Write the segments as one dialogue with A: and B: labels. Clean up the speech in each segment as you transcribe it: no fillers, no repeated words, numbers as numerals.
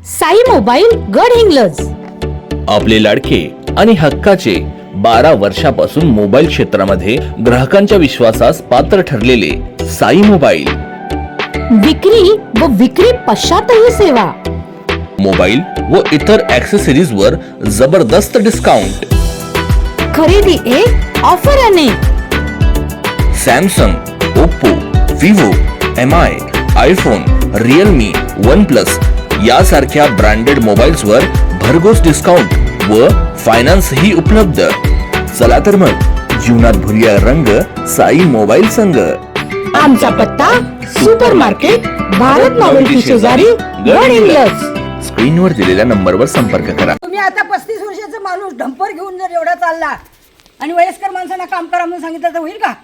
A: Sai mobile Gadhinglaj.
B: आपले लाडके आणि हक्काचे 12 वर्षापासून मोबाईल क्षेत्रामध्ये ग्राहकांच्या विश्वासास पात्र ठरलेले साई मोबाईल.
A: विक्री व विक्री पश्चातही सेवा.
B: मोबाईल व इतर ॲक्सेसरीज वर जबरदस्त डिस्काउंट.
A: खरेदी एक ऑफर अनेक.
B: Samsung, Oppo, Vivo, MI, iPhone, Realme, OnePlus यासारख्या ब्रँडेड मोबाईल्सवर भरघोस डिस्काउंट व फायनान्स ही उपलब्ध. चला तर मग जीवनात भरूया रंग साई मोबाईल संघ.
A: आमचा पत्ता सुपर मार्केट, भारत नॉवेल्टी शेजारी, गडहिंग्लज.
B: स्क्रीनवर दिलेल्या नंबरवर संपर्क करा.
C: तुम्ही आता 35 वर्षाचा माणूस डंपर घेऊन जर एवढा चालला आणि वयस्कर माणसांना काम करा म्हणून सांगितलं तर होईल का?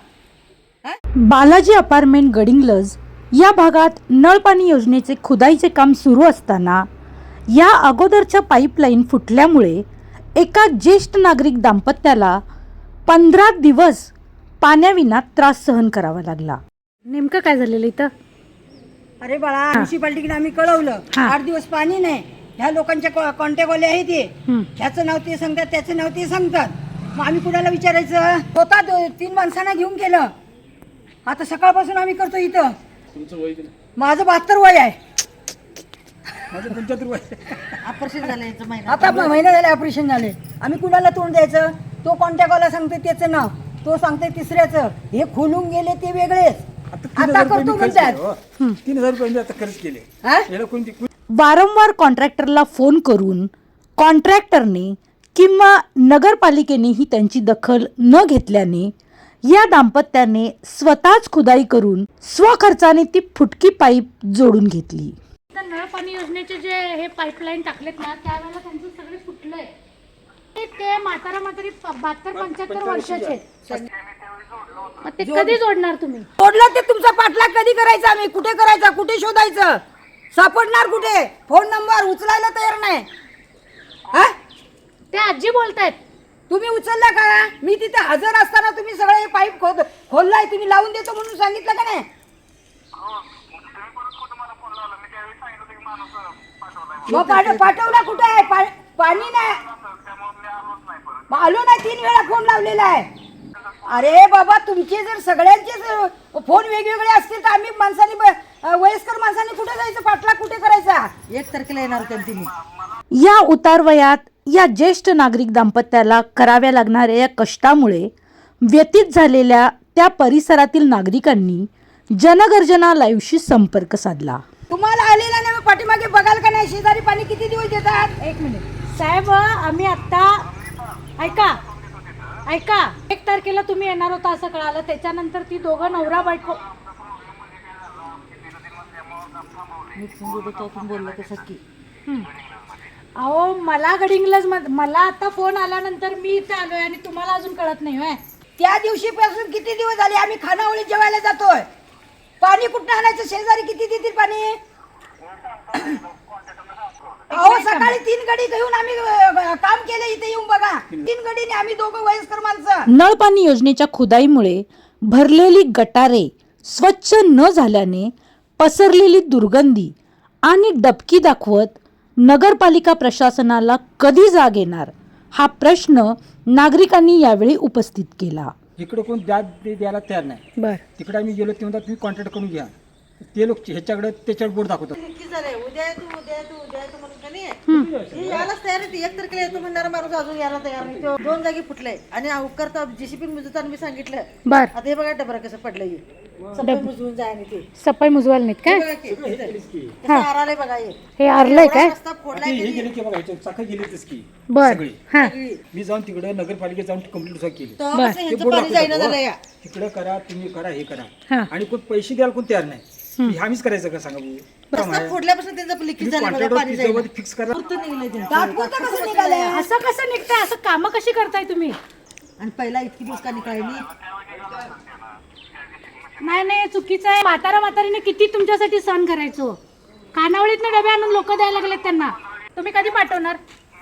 A: बालाजी अपार्टमेंट गडहिंग्लज या भागात नळपाणी योजनेचे खुदाईचे काम सुरू असताना या अगोदरच्या पाईपलाईन फुटल्यामुळे एका ज्येष्ठ नागरिक दाम्पत्याला 15 दिवस पाण्याविना त्रास सहन करावा लागला. नेमकं काय झालेलं इथं?
C: अरे बाळा, म्युन्सिपाल्टीकडे आम्ही कळवलं, 8 दिवस पाणी नाही. ह्या लोकांच्या कॉन्टॅक्टवाले आहे ते, ह्याचं नाव ते सांगतात, त्याचं नाव ते सांगतात. मग आम्ही कुणाला विचारायचं? होता 3 माणसांना घेऊन केलं. आता सकाळपासून आम्ही करतो इथं. माझं 72 वय आहे.
D: माझं 75 वय.
C: ऑपरेशन झालं आता महिना झाले ऑपरेशन झाले. आम्ही कुणाला तोंड द्यायचं? तो कॉन्टॅक्टवाला सांगते त्याचं नाव, तो सांगते तिसऱ्याचं. हे खोलून गेले ते वेगळेच. आता करतो म्हणतात.
D: 3000 रुपये आता खर्च केले.
C: हा?
D: याला कोणती
A: वारंवार कॉन्ट्रॅक्टरला फोन करून कॉन्ट्रॅक्टरने किंवा नगरपालिकेनेही त्यांची दखल न घेतल्याने या दाम्पत्याने स्वतःच खुदाई करून स्वखर्चाने ती फुटकी पाईप जोडून घेतली.
E: नळ पाणी योजनेचे जे हे पाईपलाईन टाकलेत ना, त्यावेळेला त्यांचं सगळे फुटलंय. ते म्हातारी 72-75 वर्षाचे. मग ते कधी जोडणार तुम्ही?
C: तोडलं ते तुमचा पाठलाग कधी करायचा? आम्ही कुठे करायचा? कुठे शोधायचं? सापडणार कुठे? फोन नंबर उचलायला तयार नाही. हा?
E: ते आजी बोलतायत.
C: तुम्ही उचलला का? मी तिथे हजर असताना तुम्ही सगळे पाईप खोललाय. तुम्ही लावून देतो म्हणून सांगितलं का नाही? पाठवला कुठे आहे? पाणी नाही. आलो नाही, 3 वेळा फोन लावलेला आहे. अरे बाबा, तुमचे जर सगळ्यांचे फोन वेगवेगळे असतील तर आम्ही माणसांनी वयस्कर माणसांनी कुठे जायचं? पाठलाग कुठे करायचा? 1 तारखेला येणार होत्या तुम्ही.
A: या उतारवयात या ज्येष्ठ नागरिक दाम्पत्याला कराव्या लागणाऱ्या या कष्टामुळे व्यतीत झालेल्या त्या परिसरातील नागरिकांनी जनगर्जना लाईव्हशी संपर्क साधला.
C: तुम्हाला आलेला नाही, पाठीमागे बघाल का नाही? शेजारी पाणी किती दिवस देतात? 1 मिनिट
E: साहेब, आम्ही आता ऐका 1 तारखेला तुम्ही येणार होता असं कळालं. त्याच्यानंतर ती दोघं नवरा बायको अहो, मला गडिंग्लज मला आता फोन आल्यानंतर मी इथे आलोय आणि तुम्हाला अजून कळत नाही होय?
C: त्या दिवशीपासून किती दिवस झाले आम्ही खानावळीत जेवायला जातोय. पाणी कुठं आणायचं? शेजारी किती देतील पाणी? अहो, सकाळी 3 गडी घेऊन आम्ही काम केलं. इथे येऊन बघा, 3 गडीने आम्ही दोघं वयस्कर माणसं.
A: नळपाणी योजनेच्या खुदाईमुळे भरलेली गटारे स्वच्छ न झाल्याने पसरलेली दुर्गंधी आणि डबकी दाखवत नगरपालिका प्रशासनाला कधी जाग येणार हा प्रश्न नागरिकांनी यावेळी उपस्थित केला.
D: इकडे कोण द्यायला तयार नाही. तिकडे आम्ही गेलो ते म्हणतात तुम्ही कॉन्ट्रॅक्ट करून घ्या. ते लोक ह्याच्याकडे त्याच्यावर बोर्ड दाखवतात.
C: उद्या यायलाच तयार आहे. 1 तारखेला येतो म्हणणारा माणूस अजून यायला तयार नाही. 2 जागी फुटलंय आणि करता JCB मुजताना मी सांगितलं.
A: बर,
C: आता हे बघा डबरा कसं पडलंय. सफाई मुजवून जाय आणि ते
A: सफाई मुजवायला नाहीत काय?
C: कसं आरालय बघा.
A: हे आरलंय काय?
C: रस्ता फोडलाय.
D: हे गेले की बघा ह्याच्यात चाकं गेलीच की
A: बर,
D: सगळी.
A: हा,
D: मी जाऊन तिकडे नगरपालिकेत जाऊन कंप्लीट केली.
C: तेव्हापासून ह्यांचं पाणी जाईना झालं या.
D: तिकडे करा, तुम्ही करा, हे
A: हा.
D: करा. आणि कोण पैसे द्यायला कोण तयार नाही. आम्हीच करायचं का सांगा भाऊ?
C: रस्ता फोडल्यापासून त्यांचं लिकेज झालं बघा, पाणी जाईना.
D: फिक्स करा.
C: तात्पुरतं कसं निघालंय?
E: असं कसं निघतंय? असं कामं कशी करताय तुम्ही?
C: आणि पहिला इतकी दिवस का निघाली?
E: नाही, चुकीचं आहे. म्हातारीने किती तुमच्यासाठी सहन करायचो. खानावळीतनं डबे आणून लोक द्यायला लागलेत त्यांना. तुम्ही कधी पाठवणार?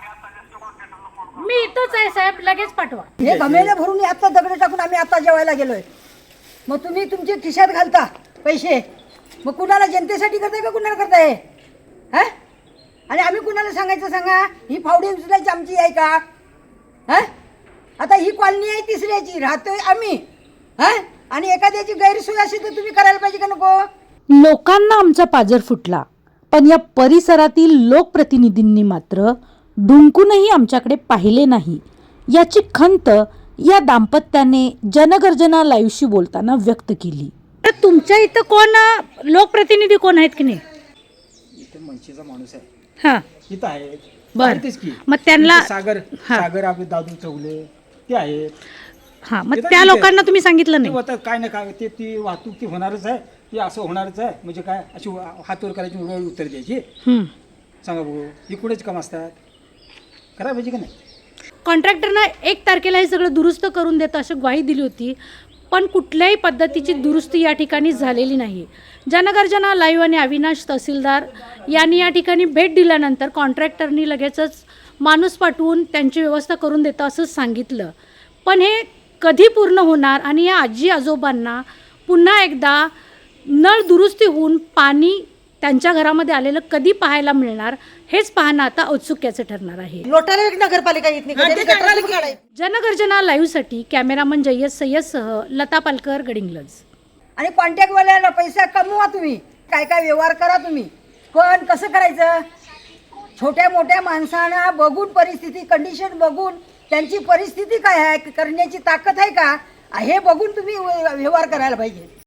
E: मी इथंच आहे साहेब, लगेच पाठवा.
C: हे घमेले भरून आता दगड टाकून आम्ही आता जेवायला गेलोय. मग तुम्ही तुमच्या खिशात घालता पैसे, मग कुणाला जनतेसाठी करताय का कुणाला करताय? हा आणि आम्ही कुणाला सांगायचं सांगा? ही फावडी उचलायची आमची आहे का? हा, आता ही कॉलनी आहे तिसऱ्याची, राहतोय आम्ही, हा, आणि एखाद्याची गैरसोय असेल तर तुम्ही करायला पाहिजे का नको?
A: लोकांना आमचा पाजर फुटला, पण या परिसरातील लोकप्रतिनिधींनी मात्र ढुंकूनही आमच्याकडे पाहिले नाही. याची खंत या दाम्पत्याने जनगर्जना लाईव्हशी बोलताना व्यक्त केली. तर तुमच्या इथं कोण लोकप्रतिनिधी कोण आहेत की नाही?
D: इथे मनसेचा माणूस आहे,
A: हां,
D: इथं आहे.
A: बरं.
D: आहेतच की.
A: मग त्यांना
D: इथे सागर आपले दादू चौगले ते आहेत.
A: हां, मग त्या लोकांना तुम्ही सांगितलं
D: ते
A: नाही?
D: आता काय ना काय ती वाहतूक ती होणारच आहे, ती असं होणारच आहे. म्हणजे काय अशी हातवर करायची, रोड उत्तर द्यायची?
A: हं.
D: सांगा बघू, ही कुठेच काम असतात? करायला पाहिजे का नाही?
E: कॉन्ट्रॅक्टरनं 1 तारखेला हे सगळं दुरुस्त करून देतं अशी ग्वाही दिली होती, पण कुठल्याही पद्धतीची दुरुस्ती या ठिकाणी झालेली नाही. जनगर्जना लाईव्ह आणि अविनाश तहसीलदार यांनी या ठिकाणी भेट दिल्यानंतर कॉन्ट्रॅक्टरनी लगेचच माणूस पाठवून त्यांची व्यवस्था करून देतं असं सांगितलं. पण हे कधी पूर्ण होणार आणि या आजी आजोबांना पुन्हा एकदा नळ दुरुस्ती होऊन पाणी त्यांच्या घरामध्ये आलेलं कधी पाहायला मिळणार, हेच पाहणं आता औत्सुक्याचं ठरणार आहे.
C: लोटाले नगरपालिका येत नाही.
E: जनगर्जना लाईव्हसाठी कॅमेरामन जय्यद सय्यदसह लता पालकर, गडिंग्लज.
C: आणि कॉन्टॅक्टवाल्याला पैसा कमवा तुम्ही, काय काय व्यवहार करा तुम्ही, पण कसं करायचं? छोट्या मोठ्या माणसांना बघून, परिस्थिती कंडिशन बघून, त्यांची परिस्थिती काय आहे, करण्याची ताकद आहे का, हे बघून तुम्ही व्यवहार करायला पाहिजे.